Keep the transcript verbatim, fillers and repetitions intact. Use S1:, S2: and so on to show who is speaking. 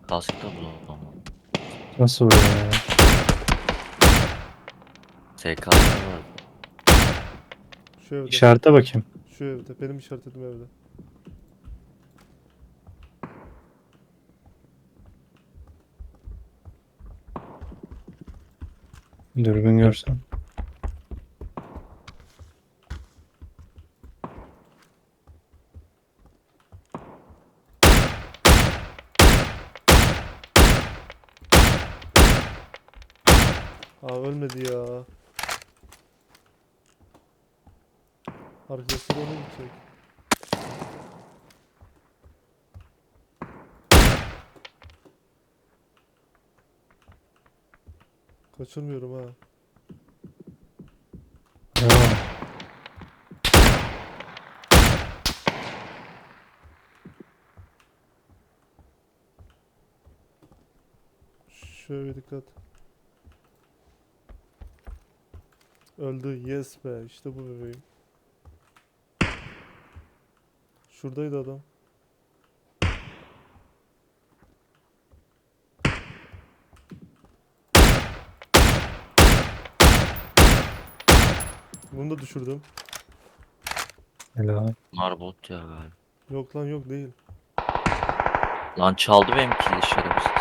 S1: Kask da bulamadım.
S2: Nasıl vuruyor ya?
S1: S K var.
S3: Şu evde.
S2: İşarete bakayım.
S3: Şu evde. Benim işaretledim evde.
S2: Dürbün görsem.
S3: Aa ölmedi ya. Arkadaşlar onu gidecek. Kaçırmıyorum ha.
S2: Bravo.
S3: Şöyle dikkat. Öldü. Yes be. İşte bu bebeğim. Şuradaydı adam. Bunu da düşürdüm.
S2: Helal.
S1: Bunlar bot ya galiba.
S3: Yok lan yok değil.
S1: Lan çaldı benim kili şerefsiz.